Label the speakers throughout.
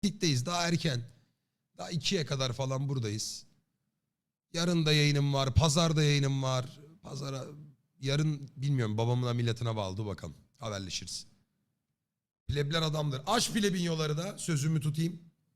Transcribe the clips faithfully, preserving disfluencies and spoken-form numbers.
Speaker 1: Gitteyiz daha erken. Daha ikiye kadar falan buradayız. Yarın da yayınım var. Pazar da yayınım var. Pazara yarın bilmiyorum babamın milletine bağlı bakalım. Haberleşiriz. Plebler adamdır. Aç plebinyoları da sözümü tutayım.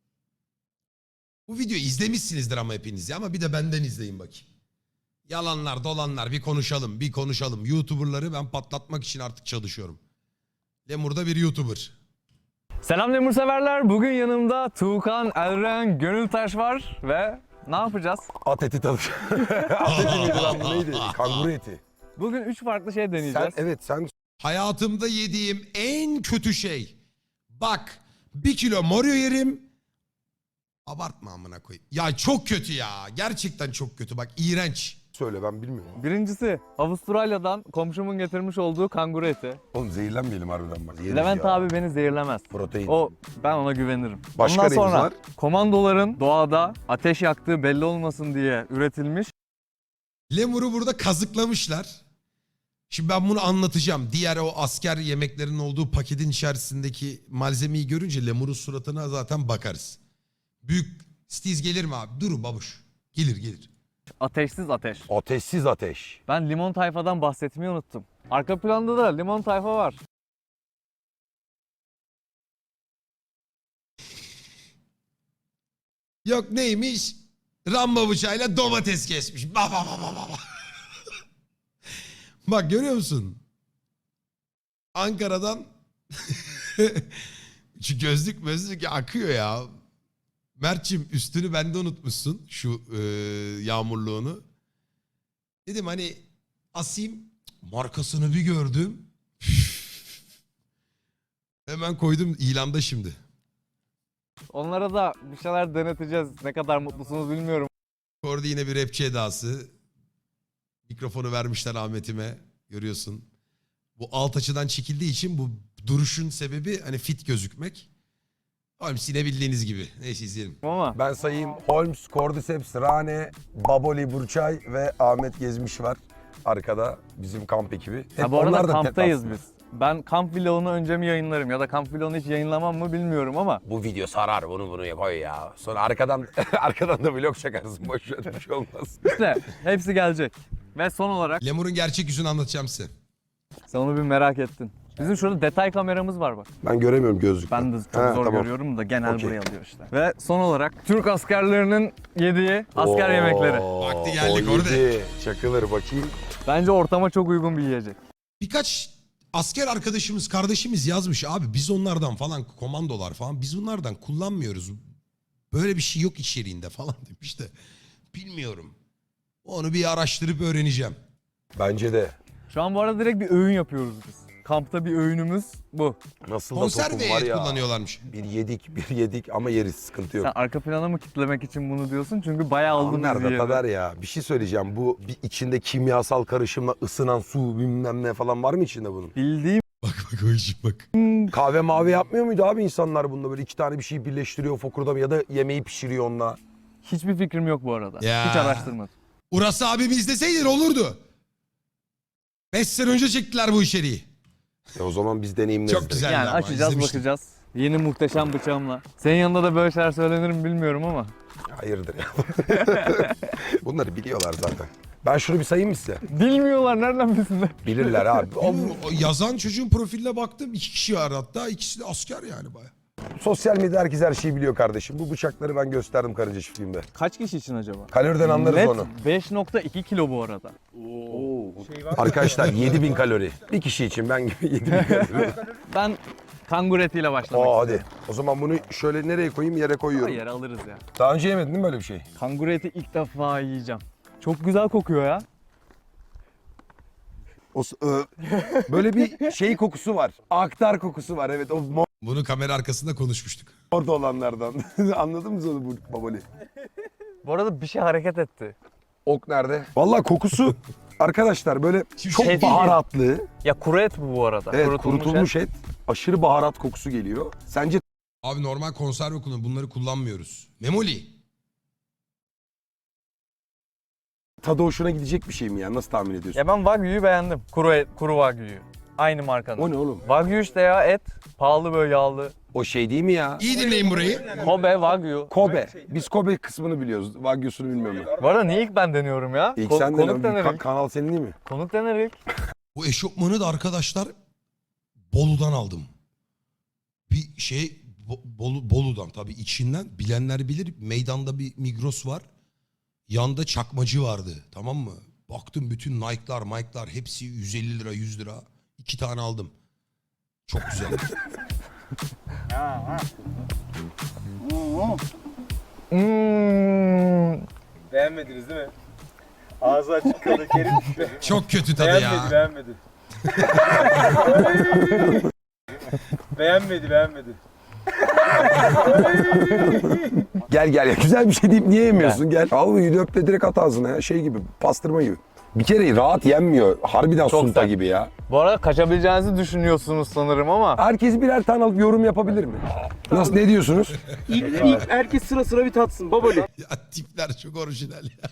Speaker 1: Bu videoyu izlemişsinizdir ama hepiniz ya. Ama bir de benden izleyin bakayım. Yalanlar dolanlar bir konuşalım bir konuşalım. YouTuber'ları ben patlatmak için artık çalışıyorum. Lemur da bir YouTuber.
Speaker 2: Selam Lemur severler. Bugün yanımda Tuğkan, Elren, Gönültaş var ve ne yapacağız?
Speaker 3: At eti tadı. At eti miydi lan bu neydi? Kanguru eti.
Speaker 2: Bugün üç farklı şey
Speaker 3: Sen
Speaker 2: deneyeceğiz.
Speaker 3: evet sen
Speaker 1: Hayatımda yediğim en kötü şey. Bak bir kilo Moryo yerim. Abartma amına koyayım. Ya çok kötü ya. Gerçekten çok kötü. Bak iğrenç.
Speaker 3: söyle ben bilmiyorum.
Speaker 2: Birincisi Avustralya'dan komşumun getirmiş olduğu kanguru eti.
Speaker 3: Oğlum zehirlenmeyelim harbiden bak. Yeriz
Speaker 2: Levent
Speaker 3: ya.
Speaker 2: abi beni zehirlemez.
Speaker 3: Protein.
Speaker 2: O ben ona güvenirim.
Speaker 3: Başka
Speaker 2: Ondan
Speaker 3: neyimiz
Speaker 2: sonra
Speaker 3: var?
Speaker 2: komandoların doğada ateş yaktığı belli olmasın diye üretilmiş
Speaker 1: Lemur'u burada kazıklamışlar. Şimdi ben bunu anlatacağım. Diğer o asker yemeklerinin olduğu paketin içerisindeki malzemeyi görünce Lemur'un suratına zaten bakarız. Büyük stiz gelir mi abi? Dur babuş. Gelir gelir.
Speaker 2: ateşsiz ateş.
Speaker 3: Ateşsiz ateş.
Speaker 2: Ben limon tayfadan bahsetmeyi unuttum. Arka planda da limon tayfa var.
Speaker 1: Yok neymiş? Rambo bıçağıyla domates kesmiş. Ba, ba, ba, ba, ba. Bak görüyor musun? Ankara'dan şu gözlük gözlük akıyor ya. Mert'cim üstünü bende unutmuşsun şu e, yağmurluğunu. Dedim hani asayım, markasını bir gördüm. Hemen koydum ilanda şimdi.
Speaker 2: Onlara da bir şeyler deneteceğiz. Ne kadar mutlusunuz bilmiyorum.
Speaker 1: Orada yine bir rapçi edası. Mikrofonu vermişler Ahmet'ime. Görüyorsun. Bu alt açıdan çekildiği için bu duruşun sebebi hani fit gözükmek. Holmes yine bildiğiniz gibi. Neyse izleyelim.
Speaker 2: Ama
Speaker 3: Ben sayayım. Holmes, Cordyceps, Rane, Baboli, Burçay ve Ahmet Gezmiş var. Arkada bizim kamp ekibi. Hep
Speaker 2: ha, bu arada
Speaker 3: onlar da
Speaker 2: kamptayız
Speaker 3: tek
Speaker 2: biz. Ben kamp vlogunu önce mi yayınlarım ya da kamp vlogunu hiç yayınlamam mı bilmiyorum ama
Speaker 3: Bu video sarar bunu bunu koy ya. Sonra arkadan arkadan da vlog çakarsın. Boş ver bir şey olmaz.
Speaker 2: işte hepsi gelecek. Ve son olarak
Speaker 1: Lemur'un gerçek yüzünü anlatacağım size.
Speaker 2: sen onu bir merak ettin. Bizim şurada detay kameramız var bak.
Speaker 3: Ben göremiyorum gözlükle.
Speaker 2: Ben de çok
Speaker 3: Ha,
Speaker 2: zor
Speaker 3: tamam.
Speaker 2: görüyorum da genel
Speaker 3: Okey.
Speaker 2: buraya alıyor işte. Ve son olarak Türk askerlerinin yediği asker
Speaker 3: Oo,
Speaker 2: yemekleri.
Speaker 1: Vakti geldik
Speaker 3: o
Speaker 1: orada.
Speaker 3: yedi. Çakılır bakayım.
Speaker 2: Bence ortama çok uygun bir yiyecek.
Speaker 1: Birkaç asker arkadaşımız, kardeşimiz yazmış abi biz onlardan falan komandolar falan biz bunlardan kullanmıyoruz. Böyle bir şey yok içeriğinde falan demiş de bilmiyorum. Onu bir araştırıp öğreneceğim.
Speaker 3: Bence de.
Speaker 2: Şu an bu arada direkt bir öğün yapıyoruz biz. Kampta bir öğünümüz bu.
Speaker 3: Nasıl da tokum var
Speaker 1: Konserve
Speaker 3: ya.
Speaker 1: kullanıyorlarmış.
Speaker 3: Bir yedik, bir yedik ama yeriz, sıkıntı yok.
Speaker 2: Sen arka plana mı kitlemek için bunu diyorsun? Çünkü bayağı aldın bizi
Speaker 3: Nerede
Speaker 2: yere.
Speaker 3: kadar ya? Bir şey söyleyeceğim. Bu bir içinde kimyasal karışımla ısınan su bilmem ne falan var mı içinde bunun?
Speaker 2: Bildiğim
Speaker 1: Bak bak o işi bak.
Speaker 3: Kahve mavi yapmıyor muydu abi insanlar bunda? Böyle iki tane bir şey birleştiriyor fokurda ya da yemeği pişiriyor onunla.
Speaker 2: hiçbir fikrim yok bu arada.
Speaker 1: Ya.
Speaker 2: Hiç araştırmadım.
Speaker 1: Uras abimi izleseydin olurdu. Beş sene önce çektiler bu içeriği.
Speaker 3: E o zaman biz deneyimleriz.
Speaker 1: Çok
Speaker 3: de.
Speaker 1: güzel.
Speaker 2: Yani
Speaker 1: ama
Speaker 2: açacağız
Speaker 1: izlemiştim.
Speaker 2: bakacağız. Yeni muhteşem bıçağımla. Senin yanında da böyle şeyler söylenir mi bilmiyorum ama.
Speaker 3: Hayırdır ya. Bunları biliyorlar zaten. Ben şunu bir sayayım mı size?
Speaker 2: Bilmiyorlar nereden bilsinler.
Speaker 3: Bilirler abi. O,
Speaker 1: O, o yazan çocuğun profiline baktım. İki kişi var hatta. İkisi de asker yani baya.
Speaker 3: sosyal medyada herkes her şeyi biliyor kardeşim. Bu bıçakları ben gösterdim karınca çiftliğimde.
Speaker 2: Kaç kişi için acaba?
Speaker 3: Kaloriden anlarız
Speaker 2: Net
Speaker 3: onu.
Speaker 2: beş nokta iki kilo bu arada.
Speaker 3: Arkadaşlar yedi bin kalori. Bir kişi için ben gibi yedi bin kalori.
Speaker 2: Ben kanguru etiyle başlamak
Speaker 3: Aa
Speaker 2: istiyorum.
Speaker 3: hadi. O zaman bunu şöyle nereye koyayım? Yere koyuyorum.
Speaker 2: Yere alırız ya.
Speaker 3: Daha önce yemedin değil mi böyle bir şey?
Speaker 2: Kanguru eti ilk defa yiyeceğim. Çok güzel kokuyor ya.
Speaker 3: O, s- ö- böyle bir şey kokusu var. Aktar kokusu var evet. O
Speaker 1: Bunu kamera arkasında konuşmuştuk.
Speaker 3: orada olanlardan. Anladın mı onu bu babali?
Speaker 2: Bu arada bir şey hareket etti.
Speaker 3: Ok nerede? Vallahi kokusu arkadaşlar böyle
Speaker 1: Şimdi
Speaker 3: çok
Speaker 1: şey değil mi?
Speaker 3: baharatlı.
Speaker 2: Ya kuru et bu bu arada.
Speaker 3: Evet
Speaker 2: Kurutulmuş
Speaker 3: kurutulmuş
Speaker 2: et.
Speaker 3: et. Aşırı baharat kokusu geliyor. Sence
Speaker 1: Abi normal konserve kullan. Bunları kullanmıyoruz. Memoli.
Speaker 3: tadı hoşuna gidecek bir şey mi ya? Nasıl tahmin ediyorsun?
Speaker 2: Ya ben Wagyu'yu beğendim. Kuru et, kuru Wagyu'yu. Aynı markanın.
Speaker 3: O ne oğlum?
Speaker 2: Wagyu işte ya et. Pahalı böyle yağlı.
Speaker 3: O şey değil mi ya?
Speaker 1: İyi dinleyin burayı.
Speaker 2: Kobe, Wagyu.
Speaker 3: Kobe. Biz Kobe kısmını biliyoruz. Wagyu'sunu bilmiyorum ben.
Speaker 2: Bu arada niye ilk ben deniyorum ya?
Speaker 3: İlk
Speaker 2: Ko-
Speaker 3: sen
Speaker 2: konuk
Speaker 3: de
Speaker 2: dener
Speaker 3: ka-
Speaker 2: ilk.
Speaker 3: kanal senin değil mi?
Speaker 2: Konuk dener ilk.
Speaker 1: Bu eşofmanı da arkadaşlar Bolu'dan aldım. Bir şey Bo- Bolu, Bolu'dan tabii içinden bilenler bilir. Meydanda bir Migros var. Yanda çakmacı vardı, tamam mı? Baktım bütün Nike'lar, Mike'lar hepsi yüz elli lira, yüz lira. İki tane aldım. Çok güzel.
Speaker 2: Hmm.
Speaker 4: Beğenmediniz değil mi? Ağzı açık kaldı Kerim.
Speaker 1: Çok kötü tadı
Speaker 4: Beğenmedi,
Speaker 1: ya.
Speaker 4: beğenmedi. beğenmedi, beğenmedi.
Speaker 3: Gel gel ya. Güzel bir şey deyip niye yemiyorsun? Gel. Al bu yüdü öp de direkt at ağzına ya. Şey gibi, pastırma gibi. Bir kere rahat yenmiyor. Harbiden
Speaker 2: Çok
Speaker 3: sunta
Speaker 2: sert.
Speaker 3: gibi ya.
Speaker 2: Bu arada kaçabileceğinizi düşünüyorsunuz sanırım ama.
Speaker 3: Herkes birer tane alıp yorum yapabilir mi? Nasıl, ne diyorsunuz?
Speaker 4: İlk, ilk herkes sıra sıra bir tatsın babali.
Speaker 1: Ya tipler çok orijinal ya.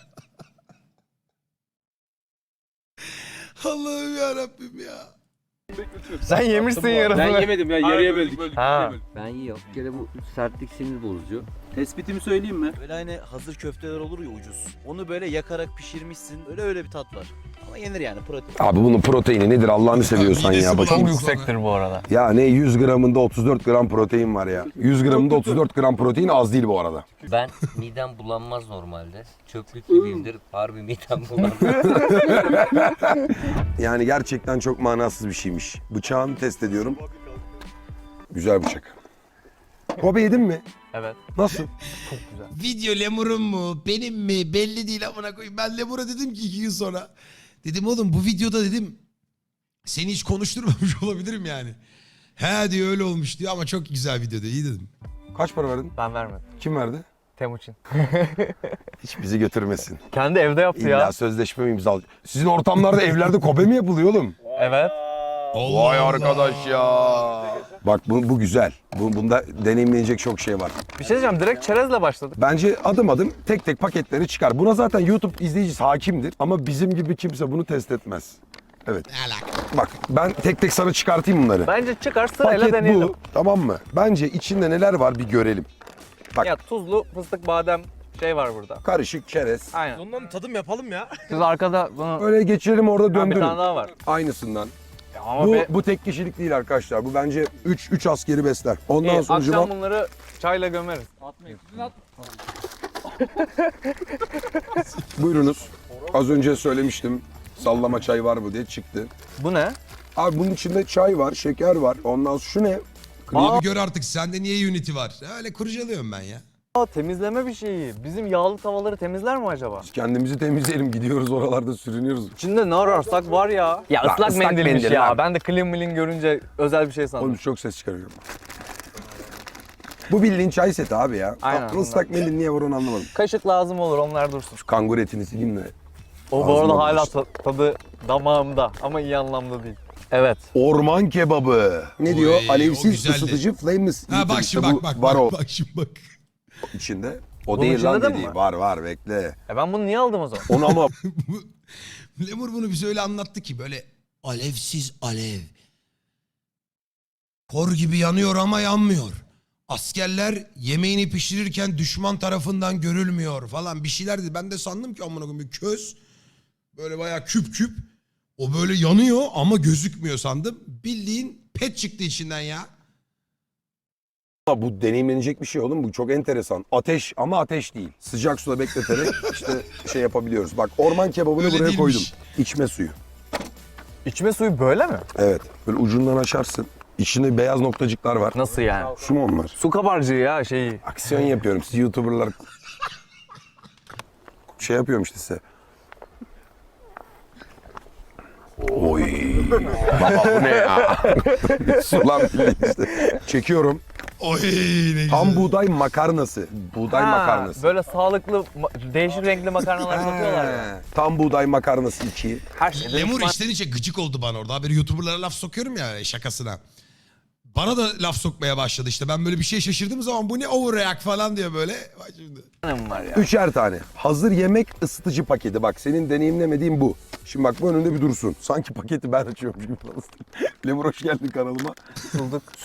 Speaker 1: Allah'ım yarabbim ya.
Speaker 2: Sen yemişsin yarısını.
Speaker 4: Ben yemedim ya, yarıya böldük.
Speaker 2: Ha.
Speaker 5: Ben yiyorum. Bir kere bu sertlik sinir bozucu.
Speaker 4: Tespitimi söyleyeyim mi?
Speaker 6: Böyle hani hazır köfteler olur ya ucuz. Onu böyle yakarak pişirmişsin. Öyle öyle bir tat var. Ama yenir yani protein.
Speaker 3: Abi bunun proteini nedir Allah'ını seviyorsan
Speaker 1: Midesi
Speaker 3: ya. Bakayım.
Speaker 2: Çok
Speaker 1: bulandı
Speaker 2: yüksektir bu arada.
Speaker 3: Ya ne yüz gramında otuz dört gram protein var ya. yüz gramında otuz dört gram protein az değil bu arada.
Speaker 5: Ben midem bulanmaz normalde. Çöplük gibiyimdir. Harbi midem bulanmaz.
Speaker 3: Yani gerçekten çok manasız bir şeymiş. Bıçağını test ediyorum. Güzel bıçak. Kobe yedin mi?
Speaker 2: Evet.
Speaker 3: Nasıl?
Speaker 1: Video lemurun mu benim mi belli değil amına koyayım. Ben lemura dedim ki iki gün sonra. Dedim oğlum bu videoda dedim seni hiç konuşturmamış olabilirim yani. He diyor öyle olmuş diyor ama çok güzel videoda iyi dedim.
Speaker 3: Kaç para verdin?
Speaker 2: Ben vermedim.
Speaker 3: Kim verdi?
Speaker 2: Temuçin.
Speaker 3: Hiç bizi götürmesin.
Speaker 2: Kendi evde yaptı
Speaker 3: İlla
Speaker 2: ya.
Speaker 3: sözleşme mi imzal? Sizin ortamlarda evlerde Kobe mi yapılıyor oğlum?
Speaker 2: Evet.
Speaker 1: Allah
Speaker 3: Vay
Speaker 1: Allah.
Speaker 3: arkadaş ya. Bak bu, bu güzel. Bu, bunda deneyimlenecek çok şey var.
Speaker 2: Bir şey diyeceğim, direkt çerezle başladık.
Speaker 3: Bence adım adım tek tek paketleri çıkar. Buna zaten YouTube izleyicisi hakimdir. Ama bizim gibi kimse bunu test etmez. Evet.
Speaker 1: Ne alaka?
Speaker 3: Bak ben tek tek sana çıkartayım bunları.
Speaker 2: Bence çıkar sırayla
Speaker 3: Paket
Speaker 2: deneyelim.
Speaker 3: bu. Tamam mı? Bence içinde neler var bir görelim. Bak.
Speaker 2: Ya tuzlu fıstık badem şey var burada.
Speaker 3: Karışık çerez.
Speaker 2: Aynen.
Speaker 6: Ondan tadım yapalım ya.
Speaker 2: Siz arkada bunu...
Speaker 3: Öyle geçirelim orada
Speaker 2: Ha, bir
Speaker 3: döndürün.
Speaker 2: tane daha var.
Speaker 3: Aynısından.
Speaker 2: Ya ama
Speaker 3: Bu,
Speaker 2: be-
Speaker 3: bu tek kişilik değil arkadaşlar. Bu bence üç üç askeri besler. Ondan
Speaker 2: İyi,
Speaker 3: sonra
Speaker 2: akşam bunları çayla gömeriz.
Speaker 3: buyurunuz. Az önce söylemiştim. Sallama çay var mı diye çıktı.
Speaker 2: Bu ne?
Speaker 3: Abi bunun içinde çay var, şeker var. Ondan sonra şu ne?
Speaker 1: Abi gör artık sende niye Unity var? Öyle kurcalıyorum ben ya.
Speaker 2: Aa, temizleme bir şeyi. Bizim yağlı tavaları temizler mi acaba?
Speaker 3: Biz kendimizi temizleyelim. Gidiyoruz oralarda sürünüyoruz.
Speaker 2: İçinde ne ararsak var ya. Ya
Speaker 3: Lan
Speaker 2: ıslak,
Speaker 3: ıslak
Speaker 2: mendilmiş
Speaker 3: mendil
Speaker 2: ya.
Speaker 3: lan.
Speaker 2: Ben de clean milling görünce özel bir şey sandım.
Speaker 3: Oğlum çok ses çıkarıyorum. Bu bildiğin çay seti abi ya.
Speaker 2: Aynen,
Speaker 3: Tatlı ıslak mendil niye var onu anlamadım.
Speaker 2: Kaşık lazım olur, onlar dursun.
Speaker 3: Şu kangur etini sileyim de.
Speaker 2: O bu
Speaker 3: Ağzıma
Speaker 2: arada hala
Speaker 3: bulaştı.
Speaker 2: ta- tadı damağımda ama iyi anlamda değil. Evet.
Speaker 3: Orman kebabı. Ne
Speaker 1: Oy,
Speaker 3: diyor?
Speaker 1: o
Speaker 3: Alevsiz
Speaker 1: güzeldi.
Speaker 3: ısıtıcı flameless.
Speaker 1: Ha bak
Speaker 3: İşte
Speaker 1: şimdi
Speaker 3: bu
Speaker 1: bak bak
Speaker 3: var
Speaker 1: bak,
Speaker 3: o
Speaker 1: bak şimdi bak.
Speaker 3: içinde. O
Speaker 2: Bunun
Speaker 3: değil
Speaker 2: içinde
Speaker 3: lan
Speaker 2: de mi
Speaker 3: dediği.
Speaker 2: var?
Speaker 3: Var var bekle.
Speaker 2: E ben bunu niye aldım o zaman?
Speaker 3: Onu ama
Speaker 1: Bu- Lemur bunu bize öyle anlattı ki böyle alevsiz alev. Kor gibi yanıyor ama yanmıyor. Askerler yemeğini pişirirken düşman tarafından görülmüyor falan bir şeyler dedi. Ben de sandım ki amına koyayım bir köz böyle bayağı küp küp. O böyle yanıyor ama gözükmüyor sandım. Bildiğin pet çıktı içinden ya.
Speaker 3: bu deneyimlenecek bir şey oğlum. Bu çok enteresan. Ateş ama ateş değil. Sıcak suda bekleterek işte şey yapabiliyoruz. Bak orman kebabını
Speaker 1: Öyle
Speaker 3: buraya
Speaker 1: değilmiş.
Speaker 3: koydum. İçme suyu.
Speaker 2: İçme suyu böyle mi?
Speaker 3: Evet. Böyle ucundan açarsın. İçinde beyaz noktacıklar var.
Speaker 2: Nasıl yani?
Speaker 3: Şu mu onlar?
Speaker 2: Su kabarcığı ya şeyi.
Speaker 3: Aksiyon yapıyorum. Siz YouTuber'lar şey yapıyorum işte size. Oy. Baba bu ne ya? Sulan bildiğin işte. Çekiyorum.
Speaker 1: Oy ne güzel.
Speaker 3: Tam buğday makarnası. Buğday
Speaker 2: Ha,
Speaker 3: makarnası.
Speaker 2: Böyle sağlıklı, ma- değişik renkli makarnalar satıyorlar ya.
Speaker 3: He, Tam buğday makarnası iki.
Speaker 2: Her şeyde
Speaker 1: Lemur
Speaker 2: üç
Speaker 1: içten içe gıcık oldu bana orada. Haberi YouTuber'lara laf sokuyorum ya şakasına. Bana da laf sokmaya başladı işte. Ben böyle bir şey şaşırdığım zaman bu ne overreact falan diyor böyle. Bak şimdi.
Speaker 2: tane mi var ya?
Speaker 3: Üçer tane. Hazır yemek ısıtıcı paketi. Bak senin deneyimlemediğin bu. Şimdi bak bu önünde bir dursun. Sanki paketi ben açıyormuş gibi. Lemur hoş geldin kanalıma.
Speaker 2: Bulduk.
Speaker 3: Su,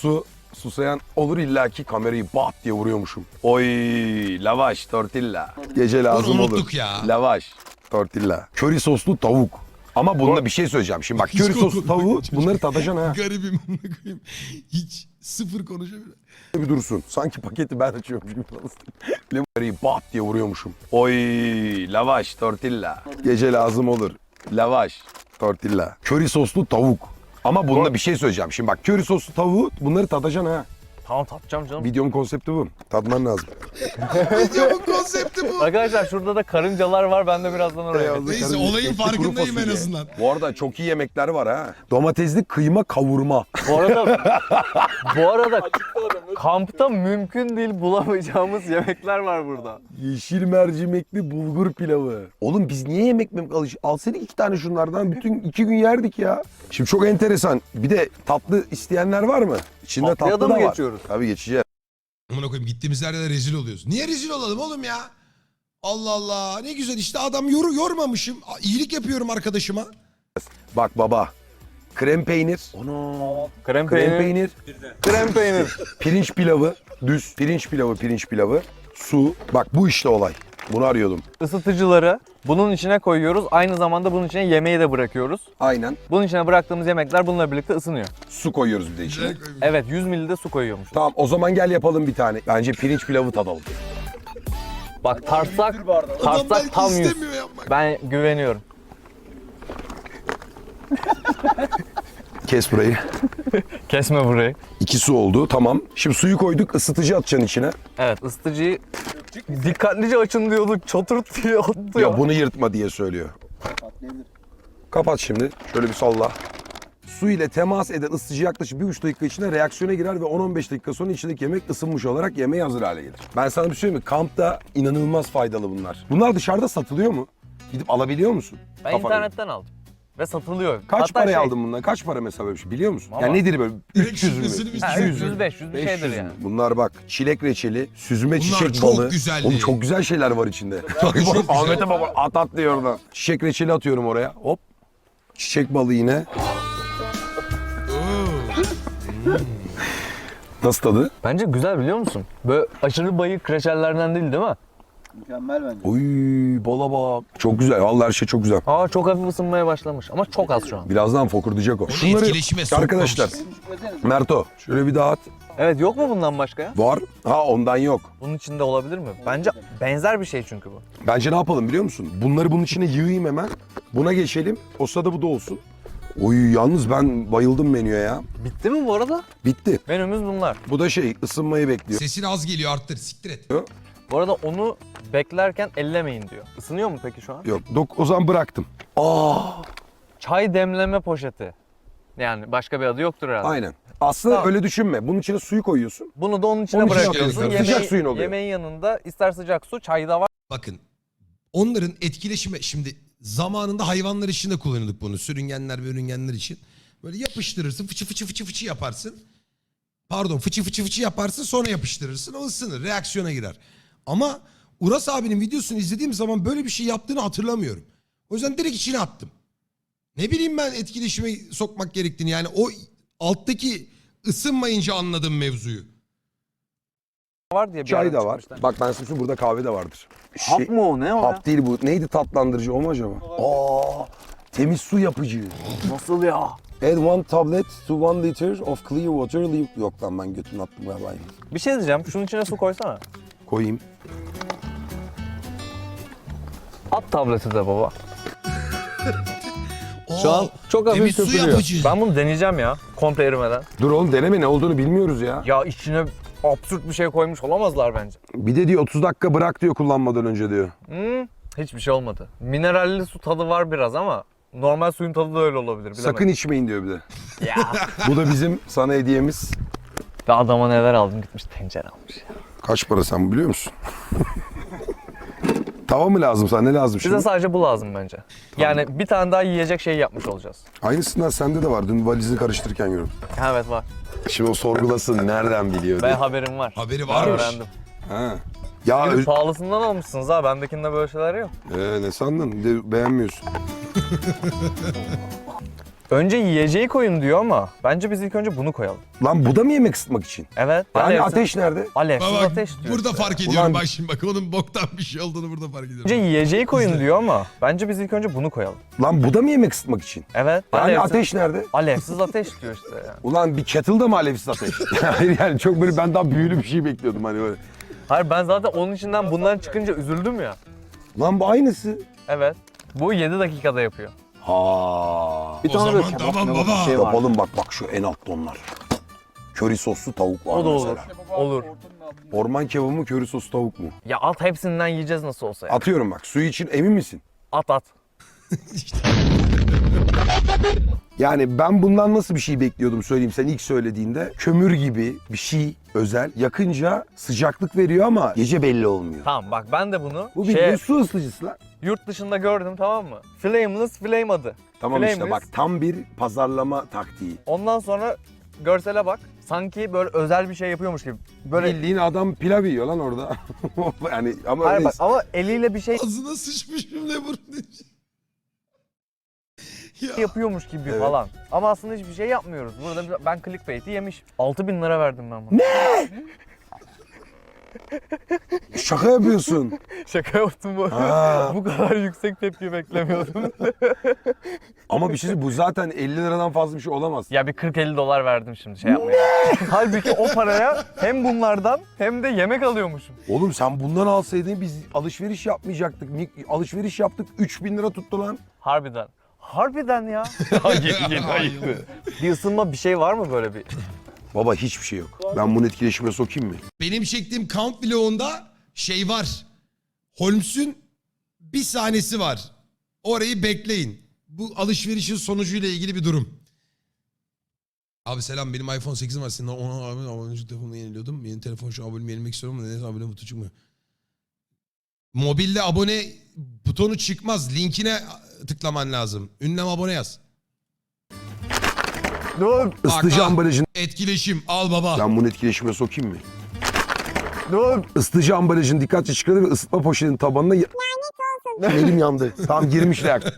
Speaker 3: susayan olur illaki kamerayı bat diye vuruyormuşum. Oy lavaş tortilla. Gece lazım
Speaker 1: Bunu
Speaker 3: olur.
Speaker 1: unuttuk ya.
Speaker 3: Lavaş tortilla. Köri soslu tavuk. Ama bununla bir şey söyleyeceğim. Şimdi bak
Speaker 1: Hiç
Speaker 3: köri soslu
Speaker 1: konuşmuyor
Speaker 3: tavuğu
Speaker 1: çocuk.
Speaker 3: bunları tadacaksın ha.
Speaker 1: Garibim amına koyayım. Hiç sıfır konuşamıyor.
Speaker 3: Bir dursun. Sanki paketi ben açıyormuş gibi. Kamerayı bat diye vuruyormuşum. Oy lavaş tortilla. Gece lazım olur. Lavaş tortilla. Köri soslu tavuk. Ama bununla bir şey söyleyeceğim. Şimdi bak köri soslu tavuğu bunları tadacaksın ha.
Speaker 2: Tamam tatacağım canım.
Speaker 3: Videomun konsepti bu. Tadman lazım.
Speaker 1: Videomun konsepti bu.
Speaker 2: Arkadaşlar şurada da karıncalar var. Ben de birazdan oraya
Speaker 3: Beyazlı
Speaker 2: gideyim.
Speaker 1: Neyse,
Speaker 3: karınca,
Speaker 1: olayın
Speaker 3: etli kuru
Speaker 1: farkındayım en
Speaker 3: fasulye.
Speaker 1: azından.
Speaker 3: Bu arada çok iyi yemekler var ha. Domatesli kıyma kavurma.
Speaker 2: Bu arada bu arada kampta mümkün değil bulamayacağımız yemekler var burada.
Speaker 3: Yeşil mercimekli bulgur pilavı. Oğlum biz niye yemek mi alış? Alsaydık iki tane şunlardan bütün iki gün yerdik ya. Şimdi çok enteresan. Bir de tatlı isteyenler var mı? İçinde
Speaker 2: Tatlıya
Speaker 3: tatlı
Speaker 2: da
Speaker 3: da
Speaker 2: mı
Speaker 3: var.
Speaker 2: geçiyoruz?
Speaker 3: Tabii geçeceğiz.
Speaker 1: Amına koyayım gittiğimiz yerde de rezil oluyoruz. Niye rezil olalım oğlum ya? Allah Allah ne güzel işte adam yoru yormamışım. İyilik yapıyorum arkadaşıma.
Speaker 3: Bak baba. Krem peynir.
Speaker 2: Krem
Speaker 3: Krem
Speaker 2: peynir.
Speaker 3: peynir.
Speaker 2: Krem peynir.
Speaker 3: Pirinç pilavı. Düz. Pirinç pilavı, pirinç pilavı. Su. Bak bu işte olay. Bunu arıyordum.
Speaker 2: Isıtıcıları bunun içine koyuyoruz. Aynı zamanda bunun içine yemeği de bırakıyoruz.
Speaker 3: Aynen.
Speaker 2: Bunun içine bıraktığımız yemekler bununla birlikte ısınıyor.
Speaker 3: Su koyuyoruz bir de içine.
Speaker 2: Evet yüz mililitre su koyuyormuş.
Speaker 3: Tamam o zaman gel yapalım bir tane. Bence pirinç pilavı tadalım.
Speaker 2: Bak tartsak,
Speaker 1: Adam
Speaker 2: tartsak
Speaker 1: belki
Speaker 2: tam yüz.
Speaker 1: istemiyor yapmak.
Speaker 2: Ben güveniyorum.
Speaker 3: Kes burayı.
Speaker 2: Kesme burayı.
Speaker 3: İki su oldu tamam. Şimdi suyu koyduk ısıtıcı atacaksın içine.
Speaker 2: Evet ısıtıcıyı dikkatlice açın diyorduk. Çoturt diye attı
Speaker 3: Ya bunu yırtma diye söylüyor. Kapat şimdi. Şöyle bir salla. Su ile temas eden ısıtıcı yaklaşık bir buçuk dakika içinde reaksiyona girer ve on on beş dakika sonra içindeki yemek ısınmış olarak yemeğe hazır hale gelir. Ben sana bir şey söyleyeyim mi? Kampta inanılmaz faydalı bunlar. Bunlar dışarıda satılıyor mu? Gidip alabiliyor musun?
Speaker 2: Ben
Speaker 3: Kafana.
Speaker 2: internetten aldım. Ve satılıyor.
Speaker 3: Kaç
Speaker 2: Hatta
Speaker 3: paraya
Speaker 2: şey,
Speaker 3: aldın bundan? Kaç para mesela böyle bir şey biliyor musun?
Speaker 2: Valla.
Speaker 3: Yani nedir böyle?
Speaker 1: Direkt
Speaker 3: üç yüz mü?
Speaker 1: şifresini biz
Speaker 2: Ha,
Speaker 1: çözüyoruz.
Speaker 2: üç yüz beş yüz bir şeydir
Speaker 3: beş yüz
Speaker 2: yani.
Speaker 3: mü? Bunlar bak çilek reçeli, süzme
Speaker 1: Bunlar
Speaker 3: çiçek
Speaker 1: çok
Speaker 3: balı.
Speaker 1: güzeldi.
Speaker 3: Oğlum çok güzel şeyler var içinde.
Speaker 1: Çok güzel.
Speaker 3: Ahmet'e baba at at diyor oradan. Çiçek reçeli atıyorum oraya. Hop. Çiçek balı yine. Nasıl tadı?
Speaker 2: Bence güzel biliyor musun? Böyle aşırı bayık reçellerden değil değil mi?
Speaker 4: Mükemmel bence.
Speaker 3: Oy bala bak. Çok güzel. Vallahi her şey çok güzel.
Speaker 2: Aa çok hafif ısınmaya başlamış ama çok az şu an.
Speaker 3: Birazdan fokurdayacak o.
Speaker 1: etkileşime sokmamışız.
Speaker 3: arkadaşlar. Merto şöyle bir daha at.
Speaker 2: Evet yok mu bundan başka ya?
Speaker 3: Var. Ha ondan yok.
Speaker 2: Bunun içinde olabilir mi? Bence benzer bir şey çünkü bu.
Speaker 3: Bence ne yapalım biliyor musun? Bunları bunun içine yığayım hemen. Buna geçelim. O sırada bu da olsun. Oy yalnız ben bayıldım menüye ya.
Speaker 2: Bitti mi bu arada?
Speaker 3: Bitti.
Speaker 2: Menümüz bunlar.
Speaker 3: Bu da şey ısınmayı bekliyor.
Speaker 1: Sesin az geliyor arttır siktir et.
Speaker 2: Bu arada onu beklerken ellemeyin diyor. Isınıyor mu peki şu an?
Speaker 3: Yok dok o zaman bıraktım. Aa
Speaker 2: Çay demleme poşeti. Yani başka bir adı yoktur herhalde.
Speaker 3: aynen. Aslında
Speaker 2: Tamam.
Speaker 3: öyle düşünme. Bunun içine suyu koyuyorsun.
Speaker 2: Bunu da onun içine
Speaker 3: Onun içine
Speaker 2: bırakıyorsun.
Speaker 3: atıyorsun. Sıcak suyun oluyor.
Speaker 2: Yemeğin yanında ister sıcak su, çay da var.
Speaker 1: Bakın onların etkileşime şimdi zamanında hayvanlar için de kullanıyorduk bunu. Sürüngenler ve ürüngenler için. Böyle yapıştırırsın fıçı fıçı fıçı fıçı yaparsın. Pardon fıçı fıçı fıçı yaparsın sonra yapıştırırsın o ısınır reaksiyona girer. Ama Uras abinin videosunu izlediğim zaman böyle bir şey yaptığını hatırlamıyorum. O yüzden direkt içine attım. Ne bileyim ben etkileşime sokmak gerektiğini yani o alttaki ısınmayınca anladım mevzuyu.
Speaker 2: var diye bir
Speaker 3: Çay
Speaker 2: yerden
Speaker 3: da var.
Speaker 2: çıkmışlar.
Speaker 3: Bak ben size söyleyeyim, burada kahve de vardır.
Speaker 6: Hap
Speaker 3: Şey-
Speaker 6: mı o ne o?
Speaker 3: Hap değil bu. Neydi tatlandırıcı o mu acaba? Aa, temiz su yapıcı.
Speaker 6: Nasıl ya?
Speaker 3: Add one tablet to one liter of clear water. Leave... Yok lan ben götümü attım galiba.
Speaker 2: Bir şey diyeceğim. Şunun içine su koysana.
Speaker 3: Koyayım.
Speaker 2: At tableti de baba.
Speaker 1: Oo,
Speaker 2: Şu an çok hafif
Speaker 1: temiz su
Speaker 2: köpürüyor.
Speaker 1: yapıcı.
Speaker 2: Ben bunu deneyeceğim ya. Komple erimeden.
Speaker 3: Dur oğlum deneme ne olduğunu bilmiyoruz ya.
Speaker 2: Ya içine absürt bir şey koymuş olamazlar bence.
Speaker 3: Bir de diyor otuz dakika bırak diyor kullanmadan önce diyor.
Speaker 2: Hmm, hiçbir şey olmadı. Mineralli su tadı var biraz ama normal suyun tadı da öyle olabilir. Bilemedim.
Speaker 3: Sakın içmeyin diyor bir de.
Speaker 2: Ya.
Speaker 3: Bu da bizim sana hediyemiz.
Speaker 2: Ve adama neler aldım gitmiş tencere almış ya.
Speaker 3: Kaç para sen biliyor musun? Tava mı lazım sana ne lazım şimdi?
Speaker 2: Bize sadece bu lazım bence. Yani bir tane daha yiyecek şey yapmış olacağız.
Speaker 3: Aynısından sende de var. Dün valizini karıştırırken gördüm.
Speaker 2: Evet var.
Speaker 3: Şimdi o sorgulasın nereden biliyor
Speaker 2: Ben
Speaker 3: diye.
Speaker 2: haberim var.
Speaker 1: Haberi
Speaker 2: Ben
Speaker 1: varmış.
Speaker 2: öğrendim.
Speaker 3: Ha. Ya
Speaker 2: Bir de
Speaker 3: öz-
Speaker 2: pahalısından almışsınız ha. Bendekinde böyle şeyler yok.
Speaker 3: Ee, ne sandın? Bir de beğenmiyorsun.
Speaker 2: Önce yiyeceği koyun diyor ama bence biz ilk önce bunu koyalım.
Speaker 3: Lan bu da mı yemek ısıtmak için?
Speaker 2: Evet.
Speaker 3: Yani
Speaker 2: alevsiz-
Speaker 3: ateş nerede?
Speaker 2: Alevsiz
Speaker 1: Bak,
Speaker 2: ateş diyor
Speaker 1: burada
Speaker 2: işte.
Speaker 1: fark ediyorum
Speaker 3: Ulan-
Speaker 1: bak şimdi bak onun boktan bir şey olduğunu burada fark ediyorum.
Speaker 2: Önce yiyeceği koyun
Speaker 1: İzle.
Speaker 2: diyor ama bence biz ilk önce bunu koyalım.
Speaker 3: Lan bu da mı yemek ısıtmak için?
Speaker 2: Evet.
Speaker 3: Yani
Speaker 2: alevsiz,
Speaker 3: ateş nerede?
Speaker 2: alevsiz ateş diyor işte yani.
Speaker 3: Ulan bir kettle'da mı alevsiz ateş? Hayır yani çok böyle ben daha büyülü bir şey bekliyordum hani böyle.
Speaker 2: Hayır ben zaten onun içinden bunların çıkınca üzüldüm ya.
Speaker 3: Lan bu aynısı.
Speaker 2: Evet. Bu yedi dakikada yapıyor.
Speaker 3: Ha.
Speaker 1: O zaman tamam baba.
Speaker 3: Şey yapalım bak bak şu en altta onlar. Köri soslu tavuk var
Speaker 2: O da olur.
Speaker 3: mesela.
Speaker 2: Olur.
Speaker 3: Orman kebabı mı köri soslu tavuk mu?
Speaker 2: Ya at hepsinden yiyeceğiz nasıl olsa ya.
Speaker 3: Atıyorum bak suyu için emin misin?
Speaker 2: At at.
Speaker 3: Yani ben bundan nasıl bir şey bekliyordum söyleyeyim sen ilk söylediğinde. Kömür gibi bir şey özel. Yakınca sıcaklık veriyor ama gece belli olmuyor.
Speaker 2: Tamam bak ben de bunu
Speaker 3: Bu
Speaker 2: şey,
Speaker 3: bildiğin su ısıtıcısı lan.
Speaker 2: yurt dışında gördüm tamam mı? Flameless Flame adı.
Speaker 3: Tamam işte
Speaker 2: Flameless.
Speaker 3: bak tam bir pazarlama taktiği.
Speaker 2: Ondan sonra görsele bak. Sanki böyle özel bir şey yapıyormuş gibi. Böyle
Speaker 3: Bildiğin adam pilav yiyor lan orada. yani ama
Speaker 2: Hayır
Speaker 3: öyle
Speaker 2: bak ama eliyle bir şey
Speaker 1: Ağzına sıçmışım ne burun. Ya.
Speaker 2: yapıyormuş gibi
Speaker 3: Evet.
Speaker 2: falan. Ama aslında hiçbir şey yapmıyoruz. Burada bir- ben clickbait'i yemiş. altı bin lira verdim ben buna.
Speaker 3: şaka yapıyorsun.
Speaker 2: Şaka yaptım bu.
Speaker 3: Ha.
Speaker 2: Bu kadar yüksek tepki beklemiyordum.
Speaker 3: Ama bir şey söyleyeyim, bu zaten elli liradan fazla bir şey olamaz.
Speaker 2: Ya bir kırk elli dolar verdim şimdi şey yapmaya. Halbuki o paraya hem bunlardan hem de yemek alıyormuşum.
Speaker 3: Oğlum sen bundan alsaydın biz alışveriş yapmayacaktık. Mik- Alışveriş yaptık üç bin lira tuttu lan.
Speaker 2: Harbiden. Harbiden ya. yeni, yeni
Speaker 1: ayıktı.
Speaker 2: Bir ısınma bir şey var mı böyle bir?
Speaker 3: Baba hiçbir şey yok. Ben bunu etkileşime sokayım mı?
Speaker 1: Benim çektiğim count vlogunda şey var. Holmes'un bir sahnesi var. Orayı bekleyin. Bu alışverişin sonucuyla ilgili bir durum. Abi selam benim iPhone sekizim var. Senin ona abi abonelik telefonunu yeniliyordum. Yeni telefon şu abonemi yenilemek istiyorum ama neyse abone butonu çıkmıyor. Mobilde abone butonu çıkmaz. Linkine tıklaman lazım. Ünlem abone yaz.
Speaker 2: Dur,
Speaker 3: Isıtıcı
Speaker 1: bak.
Speaker 3: ambalajın...
Speaker 1: Etkileşim al baba.
Speaker 3: Ben bunu etkileşime sokayım mı?
Speaker 2: dur.
Speaker 3: Isıtıcı ambalajın dikkatli çıkardı ve ısıtma poşetinin tabanına... Lanet olsun. Elim yandı. Tamam girmiş reaktör.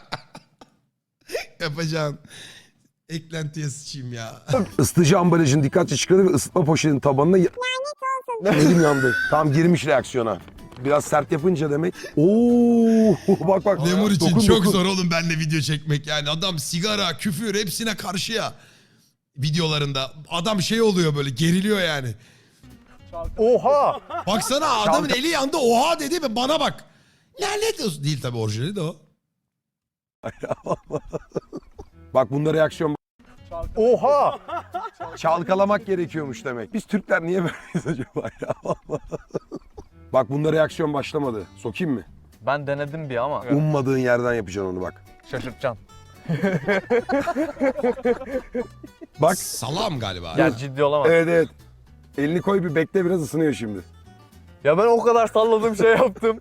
Speaker 1: Yapacağım. Eklentiye sıçayım ya.
Speaker 3: Isıtıcı ambalajın dikkatli çıkardı ve ısıtma poşetinin tabanına... Lanet olsun. Elim yandı. Tamam girmiş reaksiyona. Biraz sert yapınca demek. Oo bak bak.
Speaker 1: Lemur için
Speaker 3: Dokun,
Speaker 1: çok
Speaker 3: dokun.
Speaker 1: zor oğlum benimle video çekmek yani. Adam sigara, küfür hepsine karşı ya. Videolarında. Adam şey oluyor böyle geriliyor yani.
Speaker 2: Oha!
Speaker 1: Baksana adamın eli yandı oha dedi ve bana bak. Lanet olsun. Değil tabii orijinali de o.
Speaker 3: Bak bunda reaksiyon...
Speaker 2: Oha!
Speaker 3: Çalkalamak gerekiyormuş demek. Biz Türkler niye böyleyiz acaba ya? Bak bunda reaksiyon başlamadı. Sokayım mı?
Speaker 2: Ben denedim bir ama.
Speaker 3: Ummadığın yerden yapacaksın onu bak.
Speaker 2: Şaşırtacaksın.
Speaker 3: Bak.
Speaker 1: Salam galiba.
Speaker 2: Ya ciddi olamaz.
Speaker 3: Evet evet. Elini koy bir bekle biraz ısınıyor şimdi.
Speaker 2: Ya ben o kadar salladım şey yaptım.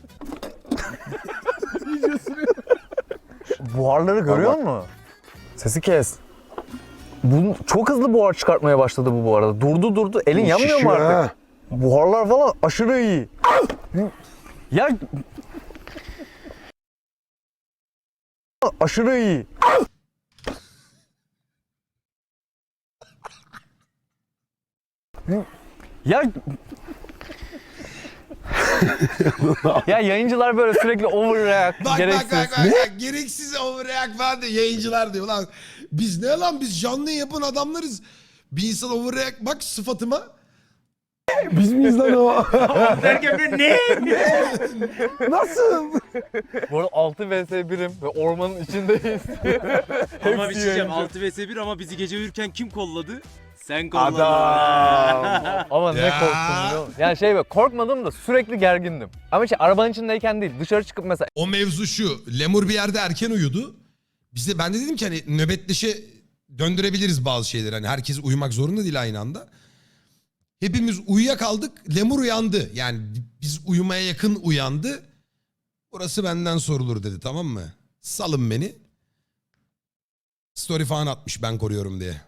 Speaker 2: Buharları görüyor musun? Sesi kes. Bu çok hızlı buhar çıkartmaya başladı bu bu arada. Durdu durdu. Elin yanmıyor mu
Speaker 3: Şişiyor
Speaker 2: artık?
Speaker 3: ha.
Speaker 2: Buharlar falan aşırı iyi. Ya aşırı iyi. Ya ya yayıncılar böyle sürekli overreact,
Speaker 1: Bak
Speaker 2: gereksiz.
Speaker 1: bak bak bak. bak. Gereksiz overreact falan diyor. Yayıncılar diyor lan. Biz ne lan biz canlı yapan adamlarız. Bir insan overreact bak sıfatıma.
Speaker 3: Biz miyiz lan o?
Speaker 4: Derken ben ne?
Speaker 3: Nasıl?
Speaker 2: Bu arada altı vs birim ve ormanın içindeyiz.
Speaker 7: Ama bir şey diyeceğim,
Speaker 2: yayıncı.
Speaker 7: altı vs bir ama bizi gece uyurken kim kolladı? Sen kolladın.
Speaker 3: Adam.
Speaker 2: Ama ne
Speaker 1: Ya.
Speaker 2: korktum biliyor musun? Yani şey böyle korkmadım da sürekli gergindim. Ama şey arabanın içindeyken değil dışarı çıkıp mesela
Speaker 1: O mevzu şu. Lemur bir yerde erken uyudu. Bize ben de dedim ki hani nöbetleşe döndürebiliriz bazı şeyleri. Hani herkes uyumak zorunda değil aynı anda. Hepimiz uyuyakaldık. Lemur uyandı. Yani biz uyumaya yakın uyandı. Burası benden sorulur dedi tamam mı? Salın beni. Story falan atmış ben koruyorum diye.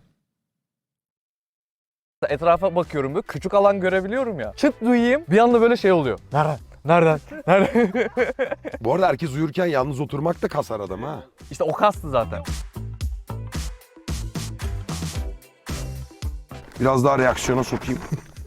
Speaker 2: etrafa bakıyorum böyle küçük alan görebiliyorum ya. Çıt duyayım bir anda böyle şey oluyor. Nereden? Nereden? Nereden?
Speaker 3: Bu arada herkes uyurken yalnız oturmak da kasar adam ha.
Speaker 2: İşte o kastı zaten.
Speaker 3: Biraz daha reaksiyona sokayım.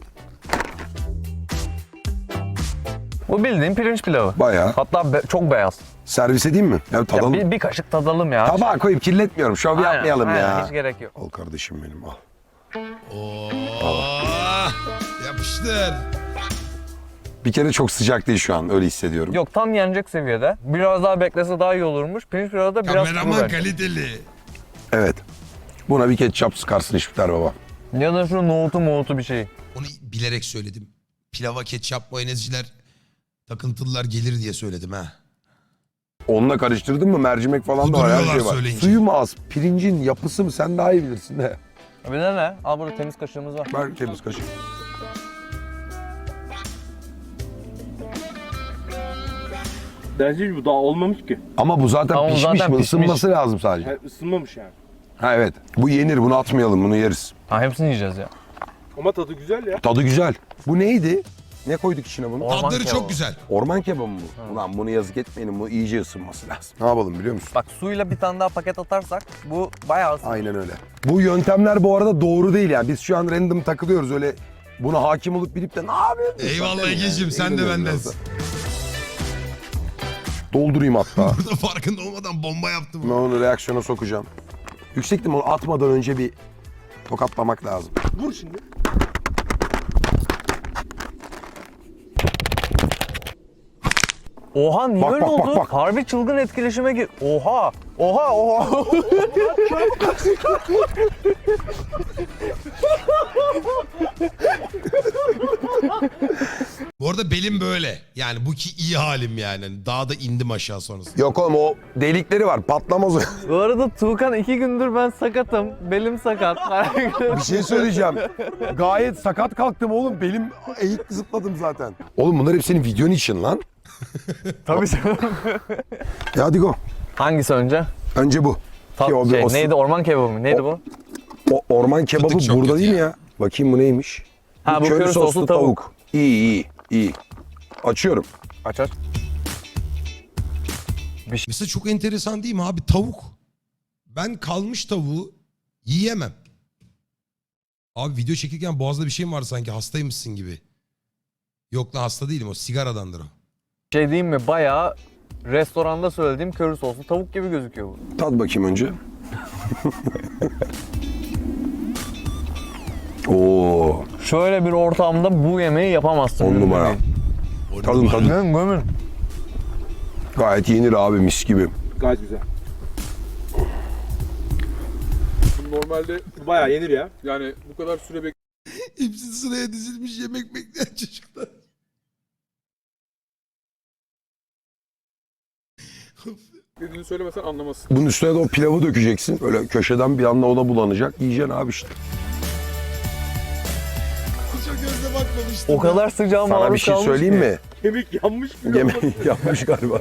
Speaker 2: Bu bildiğin pirinç pilavı.
Speaker 3: Bayağı.
Speaker 2: Hatta be- çok beyaz.
Speaker 3: Servis edeyim mi? Ya
Speaker 2: Ya
Speaker 3: tadalım.
Speaker 2: bir, bir kaşık tadalım ya.
Speaker 3: Tabağa koyup kirletmiyorum. Şov
Speaker 2: Aynen,
Speaker 3: yapmayalım
Speaker 2: aynen,
Speaker 3: ya.
Speaker 2: Hiç gerek yok.
Speaker 3: Al kardeşim benim al.
Speaker 1: Oo, yapıştır.
Speaker 3: Bir kere çok sıcak değil şu an. Öyle hissediyorum.
Speaker 2: Yok tam yenecek seviyede. Biraz daha beklese daha iyi olurmuş. Pirinç pilavı da biraz kuru
Speaker 1: Kameraman
Speaker 2: bence.
Speaker 1: kaliteli.
Speaker 3: Evet. Buna bir ketçap sıkarsın İşbiter baba.
Speaker 2: Ya da şu nohutu mohutu bir şey.
Speaker 1: Onu bilerek söyledim. Pilava ketçap mayonezciler takıntılılar gelir diye söyledim ha.
Speaker 3: Onunla karıştırdın mı mercimek falan da var. Her
Speaker 1: Kuduruyorlar
Speaker 3: şey var.
Speaker 1: söyleyince.
Speaker 3: Suyu mu az? Pirincin yapısı mı? Sen daha iyi bilirsin de.
Speaker 2: Bir de ne? Al burada temiz kaşığımız var.
Speaker 3: Ver temiz kaşık.
Speaker 4: Bence bu daha olmamış ki.
Speaker 3: Ama bu zaten
Speaker 2: Ama bu
Speaker 3: pişmiş
Speaker 2: zaten
Speaker 3: mi?
Speaker 2: pişmiş.
Speaker 3: Isınması lazım sadece.
Speaker 4: Yani ısınmamış yani.
Speaker 3: Ha evet. Bu yenir. Bunu atmayalım. Bunu yeriz.
Speaker 2: Ha hepsini yiyeceğiz ya.
Speaker 4: Ama tadı güzel ya.
Speaker 3: Tadı güzel. Bu neydi? Ne koyduk içine bunu?
Speaker 2: Orman
Speaker 1: Tadları
Speaker 2: kebabı.
Speaker 1: çok güzel.
Speaker 3: Orman kebabı mı bu? Ulan bunu yazık etmeyelim. Bu iyice ısınması lazım. Ne yapalım biliyor musun?
Speaker 2: Bak suyla bir tane daha paket atarsak bu bayağı ısınır.
Speaker 3: Aynen öyle. Bu yöntemler bu arada doğru değil yani. Biz şu an random takılıyoruz öyle buna hakim olup bilip de ne yapıyorsun?
Speaker 1: Eyvallah Ege'cim, sen de bendensin.
Speaker 3: Doldurayım hatta.
Speaker 1: Burada farkında olmadan bomba yaptım.
Speaker 3: Ben onu reaksiyona sokacağım. Yüksek ihtimal atmadan önce bir tokatlamak lazım.
Speaker 4: Vur şimdi.
Speaker 2: Oha niye
Speaker 3: Bak,
Speaker 2: öyle
Speaker 3: bak,
Speaker 2: oldu?
Speaker 3: bak, bak.
Speaker 2: Harbi çılgın etkileşime gir. Oha! Oha! Oha!
Speaker 1: Bu arada belim böyle. Yani bu ki iyi halim yani. Hani daha da indim aşağı sonrasında.
Speaker 3: Yok oğlum o delikleri var patlamaz o.
Speaker 2: Bu arada Tuğkan iki gündür ben sakatım. Belim sakat.
Speaker 3: Bir şey söyleyeceğim. Gayet sakat kalktım oğlum. Belim eğik zıpladım zaten. Oğlum bunlar hep senin videon için lan.
Speaker 2: Tabii canım.
Speaker 3: Ya hadi go.
Speaker 2: Hangisi önce?
Speaker 3: Önce bu.
Speaker 2: Ta-
Speaker 3: Ki o bir-
Speaker 2: şey,
Speaker 3: o-
Speaker 2: neydi? Orman kebabı mı? Neydi
Speaker 3: O-
Speaker 2: bu?
Speaker 3: O orman kebabı
Speaker 1: Fıtık çok
Speaker 3: burada
Speaker 1: kötü
Speaker 3: değil mi
Speaker 1: ya.
Speaker 3: ya? Bakayım bu neymiş?
Speaker 2: Ha, bu köri soslu tavuk.
Speaker 3: İyi iyi iyi. Açıyorum.
Speaker 2: Aç aç.
Speaker 1: Mesela çok enteresan değil mi abi? Tavuk. Ben kalmış tavuğu yiyemem. Abi video çekirken boğazda bir şey mi var sanki? Hastaymışsın gibi. Yok lan hasta değilim, o sigaradandır o.
Speaker 2: Şey diyeyim mi? Bayağı restoranda söylediğim köri soslu tavuk gibi gözüküyor bu.
Speaker 3: Tat bakayım önce. Oo,
Speaker 2: Şöyle bir ortamda bu yemeği yapamazsın.
Speaker 3: on numara. Tadın tadın.
Speaker 2: Gömün gömün.
Speaker 3: Gayet yenir abi mis gibi.
Speaker 4: Gayet güzel. Normalde bayağı yenir ya.
Speaker 8: Yani bu kadar süre
Speaker 1: Hepsi sıraya dizilmiş yemek bekleyen çocuklar.
Speaker 8: beklediğini söylemesen anlamazsın.
Speaker 3: Bunun üstüne de o pilavı dökeceksin. Böyle köşeden bir anda o da bulanacak. Yiyeceksin abi işte.
Speaker 1: Çok gözle bakmamıştım.
Speaker 2: O kadar sıcağı
Speaker 3: Sana
Speaker 2: maruz
Speaker 3: bir şey
Speaker 2: kalmış
Speaker 3: söyleyeyim
Speaker 2: ki.
Speaker 3: mi?
Speaker 4: Kemik yanmış gibi.
Speaker 3: Yemeği yapmış galiba.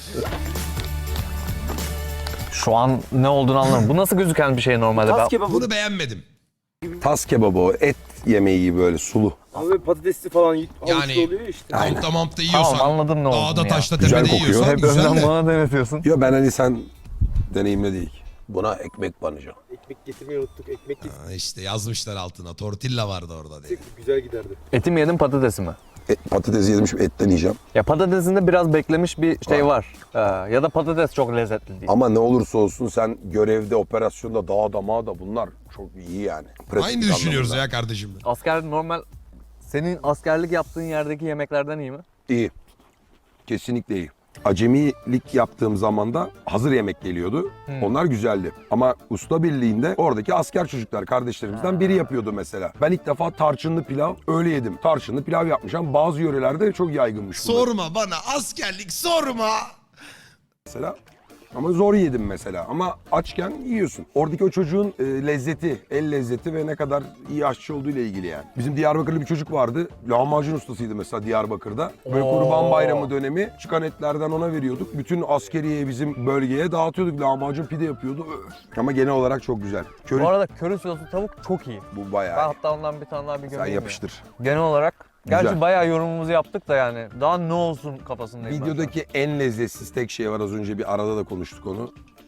Speaker 2: Şu an ne olduğunu anlamadım. Bu nasıl gözüken bir şey normalde? Ben...
Speaker 4: kebabı.
Speaker 1: Bunu beğenmedim.
Speaker 3: Tas kebabı o. Et yemeği gibi böyle sulu.
Speaker 4: Abi patatesli falan
Speaker 1: Yani-
Speaker 4: yani, oluyor ya işte.
Speaker 1: Kampta mampta yiyorsan.
Speaker 2: Tamam anladım ne olduğunu
Speaker 1: Dağda
Speaker 2: ya.
Speaker 1: taşta
Speaker 3: Güzel
Speaker 1: tepede
Speaker 3: kokuyor.
Speaker 1: yiyorsan
Speaker 2: Hep
Speaker 1: güzel
Speaker 2: önden
Speaker 1: de.
Speaker 2: bana denetiyorsun.
Speaker 3: Yo ben hani sen deneyimle değil. Buna ekmek banacağım.
Speaker 4: Ekmek getirmeyi unuttuk. Ekmek getirdik.
Speaker 1: Ha, İşte yazmışlar altına. Tortilla vardı orada diye.
Speaker 4: Güzel giderdi.
Speaker 2: Eti mi yedin patatesi mi?
Speaker 3: Et, patates yedim şimdi etten yiyeceğim.
Speaker 2: Ya patatesinde biraz beklemiş bir şey var. Ee, ya da patates çok lezzetli değil.
Speaker 3: Ama ne olursa olsun sen görevde, operasyonda, dağda, mağda bunlar çok iyi yani. Pratik
Speaker 1: Aynı düşünüyoruz
Speaker 3: anlamında.
Speaker 1: ya kardeşim.
Speaker 2: Asker normal senin askerlik yaptığın yerdeki yemeklerden iyi mi?
Speaker 3: İyi. Kesinlikle iyi. Acemilik yaptığım zaman da hazır yemek geliyordu.
Speaker 2: Hmm.
Speaker 3: Onlar güzeldi. Ama usta birliğinde oradaki asker çocuklar kardeşlerimizden biri yapıyordu mesela. Ben ilk defa tarçınlı pilav öyle yedim. Tarçınlı pilav yapmış ama bazı yörelerde çok yaygınmış bunlar
Speaker 1: Sorma bana askerlik sorma.
Speaker 3: mesela. Ama zor yedim mesela. Ama açken yiyorsun. Oradaki o çocuğun e, lezzeti, el lezzeti ve ne kadar iyi aşçı olduğu ile ilgili yani. Bizim Diyarbakırlı bir çocuk vardı. Lahmacun ustasıydı mesela Diyarbakır'da. Böyle
Speaker 2: Oo.
Speaker 3: Kurban Bayramı dönemi çıkan etlerden ona veriyorduk. Bütün askeriye bizim bölgeye dağıtıyorduk. Lahmacun pide yapıyordu. Öf. Ama genel olarak çok güzel. Köri
Speaker 2: Bu arada köri soslu tavuk çok iyi.
Speaker 3: bu
Speaker 2: Ben
Speaker 3: bayağı iyi.
Speaker 2: hatta ondan bir tane daha bir
Speaker 3: Sen
Speaker 2: gömeyim ya.
Speaker 3: yapıştır.
Speaker 2: Genel olarak gerçi
Speaker 3: Güzel.
Speaker 2: bayağı yorumumuzu yaptık da yani daha ne olsun kafasındayım ben şu an.
Speaker 3: Videodaki en lezzetsiz tek şey var az önce bir arada da konuştuk onu.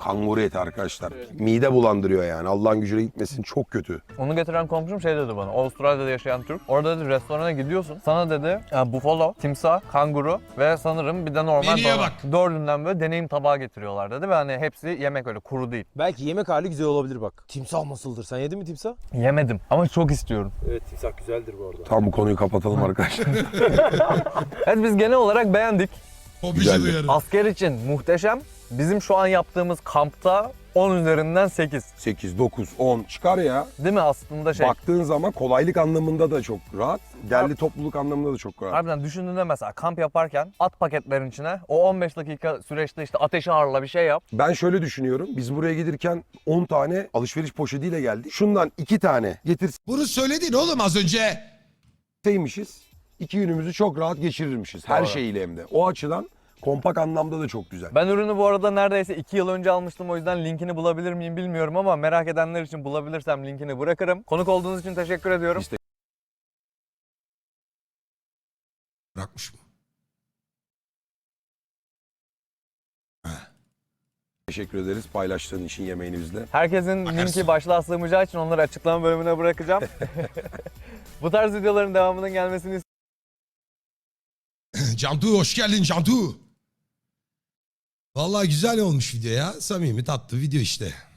Speaker 3: Kanguru eti arkadaşlar. Mide bulandırıyor yani. Allah'ın gücüne gitmesin, çok kötü.
Speaker 2: Onu getiren komşum şey dedi bana. Avustralya'da yaşayan Türk. Orada dedi restorana gidiyorsun. Sana dedi e, buffalo, timsah, kanguru ve sanırım bir de normal
Speaker 1: Menüye
Speaker 2: dana.
Speaker 1: bak.
Speaker 2: Dördünden böyle deneyim tabağı getiriyorlar dedi ve hani hepsi yemek öyle kuru değil.
Speaker 9: Belki yemek hali güzel olabilir bak. Timsah nasıldır? Sen yedin mi timsah?
Speaker 2: Yemedim ama çok istiyorum.
Speaker 9: Evet timsah güzeldir bu arada.
Speaker 3: Tam bu konuyu kapatalım arkadaşlar.
Speaker 2: Evet biz genel olarak beğendik.
Speaker 1: Hobici
Speaker 3: Güzeldi.
Speaker 1: duyarı.
Speaker 2: Asker için muhteşem. Bizim şu an yaptığımız kampta on üzerinden sekiz.
Speaker 3: sekiz, dokuz, on çıkar ya.
Speaker 2: Değil mi aslında şey?
Speaker 3: Baktığın zaman kolaylık anlamında da çok rahat. Derli topluluk anlamında da çok rahat.
Speaker 2: Harbiden düşündüğünde mesela kamp yaparken at paketlerin içine o on beş dakika süreçte işte ateşi harla bir şey yap.
Speaker 3: Ben şöyle düşünüyorum. Biz buraya gelirken on tane alışveriş poşetiyle geldik. Şundan iki tane
Speaker 1: Bunu söyledin oğlum az önce.
Speaker 3: getirseymişiz, iki günümüzü çok rahat geçirirmişiz. Her
Speaker 2: Doğru.
Speaker 3: şeyiyle hem de. O açıdan kompak anlamda da çok güzel.
Speaker 2: Ben ürünü bu arada neredeyse iki yıl önce almıştım, o yüzden linkini bulabilir miyim bilmiyorum ama merak edenler için bulabilirsem linkini bırakırım. Konuk olduğunuz için teşekkür ediyorum.
Speaker 3: İşte-
Speaker 1: Bırakmış mı?
Speaker 3: Teşekkür ederiz paylaştığın için yemeğini bizle.
Speaker 2: Herkesin
Speaker 1: Bakarsın.
Speaker 2: linki başlığa sığmayacağı için onları açıklama bölümüne bırakacağım. Bu tarz videoların devamının gelmesini
Speaker 1: Cantu hoş geldin Cantu. Vallahi güzel olmuş video ya. Samimi tatlı video işte.